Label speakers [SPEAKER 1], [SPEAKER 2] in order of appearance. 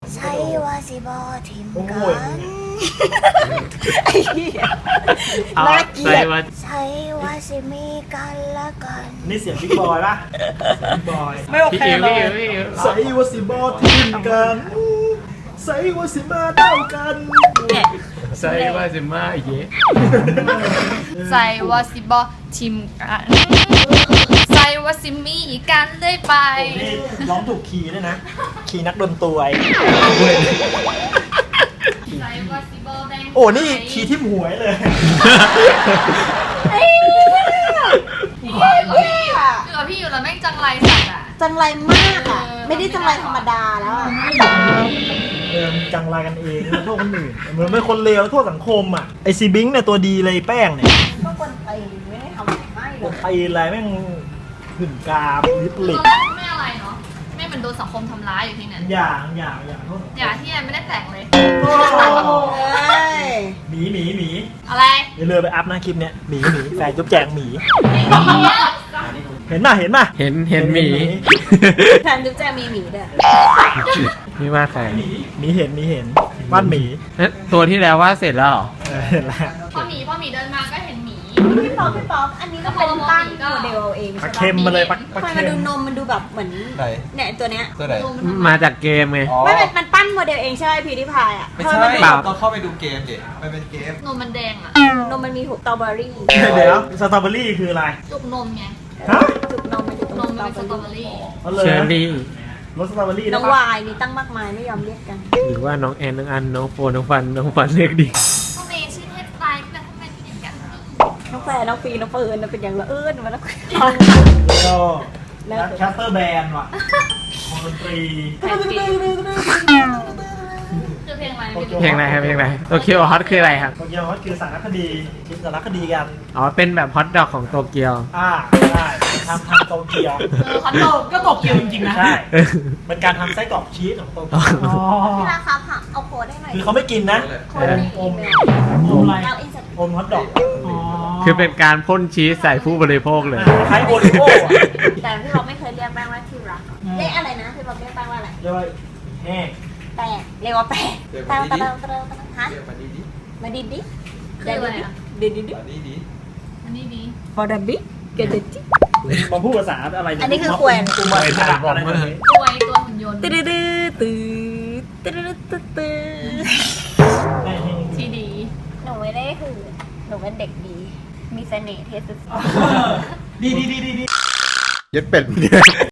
[SPEAKER 1] ใช่ว่าสิบอทิมกัน
[SPEAKER 2] ไอ้เหี้ยน่าเกลียด
[SPEAKER 1] ใช่ว่าสิมีกันละกัน
[SPEAKER 3] นี่เสียงบิ๊กบอยปะบิ๊กบอย
[SPEAKER 2] ไม่โอเคเลย
[SPEAKER 3] ใส่ว่าสิบอทีมกันใส่ว่าสิมาเต้ากัน
[SPEAKER 4] ใส่ว่าจะมาเย่
[SPEAKER 5] ใส่ว่าสิบอทิมกันใส่ว่าสิมีกันเลยไป
[SPEAKER 3] นี่ร้องถูกคีย์ด้วยนะ คีย์นักดนตรี
[SPEAKER 5] ใส่ว่าสิบอแบ่ง
[SPEAKER 3] โอ้นี่คีย์ที่หวยเลย
[SPEAKER 5] อยู่กับพี่อยู่แล้วแม่งจังไรสัตว์อ่ะ
[SPEAKER 2] จังไรมากอ่ะ ไม่ได้จังไรธรรมดาแล้วอ่ะ
[SPEAKER 3] จังไรกันเองโทษคนอื่นเหมือนเป็นคนเลวแล้วโทษสังคมอ่ะไอซีบิงค์เนี่ยตัวดีเลยแป้งเนี่ย
[SPEAKER 2] ก็คนไปไม่ได้ทำอะไรไม่เล
[SPEAKER 3] ตัวย ตีอะไรแม่งหื่นกามลิปลิป
[SPEAKER 5] ไม่อะไรเนาะไม่เหมือนโดนสังคมทำร้ายอยู่ที่นั่น
[SPEAKER 3] อย่างโทษ
[SPEAKER 5] อย่าที่แอนไม่ได้แต่งเลย
[SPEAKER 3] โอ้
[SPEAKER 2] เอ้ย
[SPEAKER 3] หมี
[SPEAKER 5] อะไร
[SPEAKER 3] เดี๋ยวเลยไปอัพหน้าคลิปเนี้ยหมีแฟนจุ๊บแจงหมี เห็นป่ะ
[SPEAKER 4] เห็นหมี
[SPEAKER 2] แทนจุ๊บแจมีหมีด้วย
[SPEAKER 4] นี่ว่าใคร
[SPEAKER 3] หมีเห็นวาดหมี
[SPEAKER 4] นั่นตัวที่แล้วว่าเสร็จแล้วเหรอ
[SPEAKER 3] เห็นแล้ว
[SPEAKER 5] พอหมีเดินมาก็เห็นหมี
[SPEAKER 2] พี่ป๊อปอันนี้ก็เป็นปั้นโมเดลเอาเอง
[SPEAKER 3] ปลา
[SPEAKER 2] ใช่
[SPEAKER 3] เค็มมาเลยปลา
[SPEAKER 2] ทำไม
[SPEAKER 3] เค็
[SPEAKER 2] มันดู
[SPEAKER 3] ม
[SPEAKER 2] นมมันดูแบบเหมือน
[SPEAKER 6] ไหน
[SPEAKER 2] เนี่ยตัวเนี้ย
[SPEAKER 6] ตัวไหน
[SPEAKER 4] มาจากเกมไง
[SPEAKER 6] อ๋อ
[SPEAKER 2] ไม่มันปั้นโมเดลเองใช่ไหมพีดีพายอ่ะ
[SPEAKER 6] ไม่
[SPEAKER 2] ทำ
[SPEAKER 6] ใช่
[SPEAKER 2] ไมมันดู
[SPEAKER 4] เปล่า
[SPEAKER 6] ต้องเข้าไปดูเกมดิมันเป็นเกม
[SPEAKER 5] นมมันแดงอ่ะ
[SPEAKER 2] นมมันมีสตรอเบอรี่
[SPEAKER 3] เดี๋ยวสตรอเบอรี่คืออะไร
[SPEAKER 5] จุกนมไง
[SPEAKER 3] ฮะ
[SPEAKER 2] จุกนมมันอยู่ตรง
[SPEAKER 5] นม
[SPEAKER 2] ส
[SPEAKER 5] มัน
[SPEAKER 2] ตรอ
[SPEAKER 5] เป็น
[SPEAKER 2] เบ
[SPEAKER 5] ส
[SPEAKER 2] อ
[SPEAKER 5] ตรอ
[SPEAKER 2] รี่
[SPEAKER 5] เบอรี่
[SPEAKER 3] เอาเลย
[SPEAKER 4] เชอร์รี่
[SPEAKER 3] รสสตรอเบอรี่
[SPEAKER 2] น้
[SPEAKER 3] ได้
[SPEAKER 2] อง
[SPEAKER 3] ปะ
[SPEAKER 2] วายนี่ตั้งมากมายไม่ยอมเรียกกัน
[SPEAKER 4] หรือว่าน้องแอนน้องอันน้องโฟนน้องฟันเรียกดิ
[SPEAKER 5] ทำไมชื่อเทพไตล์แต่ทำไมเป็นอย่างนั้น
[SPEAKER 2] น้องแฟนน้องฟีน้องเฟิร์นน่ะเป็นอย่างละเอิญมาแล้ว
[SPEAKER 3] แล้วก็
[SPEAKER 2] แล้ว
[SPEAKER 3] แคสเตอร์แบนด์ว่ะวงดนตรี
[SPEAKER 5] คือเพลงอะไร
[SPEAKER 4] เพลงอะไรครับเพลงอะไรโตเกียวฮอตคืออะไรครับ
[SPEAKER 3] โตเกียวฮอตคือสารคดีคิดสารคดีกัน
[SPEAKER 4] อ๋อเป็นแบบฮอตดอกของโตเกียว
[SPEAKER 3] ใช่ทำโตเกียว
[SPEAKER 5] คอนโดก็ตกเกียวจริงๆนะ
[SPEAKER 3] ใช่เป็นการทำไส้กรอกชีสของโตเกียว
[SPEAKER 2] พี่ราครับค่ะเอาโค้ดให้หน่อย
[SPEAKER 3] คือเขาไม่กินนะ
[SPEAKER 2] โค้ดในอีเมล
[SPEAKER 3] อมอะไร
[SPEAKER 2] เอาอินสตา
[SPEAKER 3] อมฮอตดอก
[SPEAKER 4] คือเป็นการพ่นชีสใส่ผู้บริโภคเลย
[SPEAKER 3] คล้ายโอริโอ้อะ
[SPEAKER 2] แต่พี่บอกไม่เคยเรียกแป้งว่าที่รักเรียกอะไรนะพี่บอกเรียกแป้งว่าอะไร
[SPEAKER 3] เรียกว่าแห้ง
[SPEAKER 2] แป้งเรียกว่าแป้งเตาฮะ
[SPEAKER 6] เรียกมาดีดิ
[SPEAKER 2] มาดิดิ
[SPEAKER 5] คืออะไรอ่ะ
[SPEAKER 2] ดิดิดิ
[SPEAKER 6] มาดีดิ
[SPEAKER 5] อันนี้ดี
[SPEAKER 2] ฟอร์ดบิเกดิจิ
[SPEAKER 3] มาพูดภาษาอะไร
[SPEAKER 2] อันนี้คือแควน
[SPEAKER 3] กูมาเป็นระดับอะไรแบบนี้
[SPEAKER 5] ตัวหุ่นยนต์
[SPEAKER 2] ตื้อตื้อตื้อตื้อตื้อตื้อ
[SPEAKER 5] ที่ดี
[SPEAKER 2] หนูไม่ได้หือหนูเป็นเด็กดี มีเสน่ห์เทสุด
[SPEAKER 3] ดี
[SPEAKER 6] เย็ดเป็ดเนี่ย